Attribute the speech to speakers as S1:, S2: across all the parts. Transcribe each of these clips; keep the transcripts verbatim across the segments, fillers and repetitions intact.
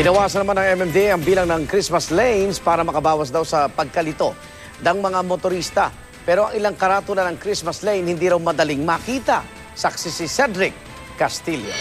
S1: Binawasan naman ng M M D A ang bilang ng Christmas lanes para makabawas daw sa pagkalito ng mga motorista. Pero ang ilang karatula ng Christmas lane hindi raw madaling makita. Saksi si Cedric Castillo.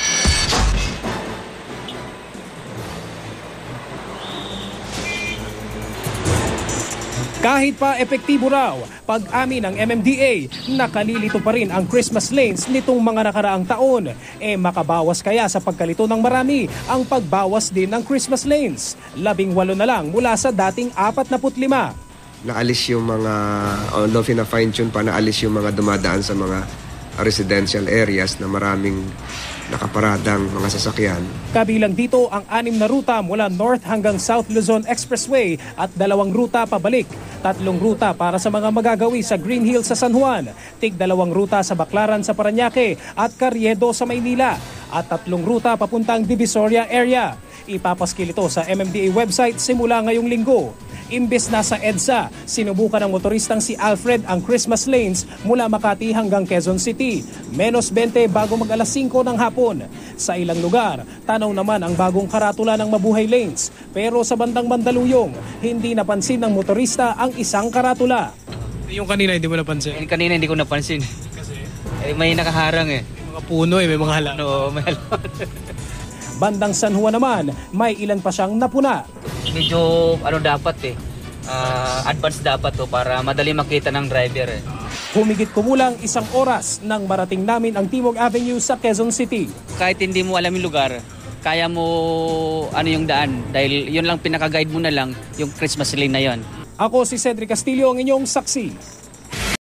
S2: Kahit pa epektibo raw, pag-amin ng M M D A, nakalilito pa rin ang Christmas lanes nitong mga nakaraang taon. E makabawas kaya sa pagkalito ng marami ang pagbawas din ng Christmas lanes. Labing walo na lang mula sa dating apat na lima.
S3: Naalis yung mga, although fina-fine tune pa, naalis yung mga dumadaan sa mga residential areas na maraming nakaparadang mga sasakyan.
S2: Kabilang dito ang anim na ruta mula North hanggang South Luzon Expressway at dalawang ruta pabalik. Tatlong ruta para sa mga magagawi sa Green Hills sa San Juan, tig dalawang ruta sa Baclaran sa Parañaque at Carriedo sa Maynila at tatlong ruta papuntang Divisoria area. Ipapaskil ito sa M M D A website simula ngayong linggo. Imbes na sa EDSA, sinubukan ng motoristang si Alfred ang Christmas lanes mula Makati hanggang Quezon City. Menos twenty bago mag alas singko ng hapon. Sa ilang lugar, tanaw naman ang bagong karatula ng Mabuhay Lanes. Pero sa bandang Mandaluyong, hindi napansin ng motorista ang isang karatula.
S4: Yung kanina hindi mo napansin?
S5: Yung kanina hindi ko napansin.
S4: Kasi?
S5: Eh, may nakaharang eh.
S4: May mga puno eh, may mga halaman.
S5: No, may halaman.
S2: Bandang San Juan naman, may ilan pa siyang napuna.
S5: Medyo ano dapat eh, uh, advance dapat to para madali makita ng driver eh.
S2: Humigit kumulang isang oras nang marating namin ang Timog Avenue sa Quezon City.
S5: Kahit hindi mo alam yung lugar, kaya mo ano yung daan dahil yun lang pinaka-guide mo na lang yung Christmas lane na yon.
S2: Ako si Cedric Castillo, ang inyong saksi.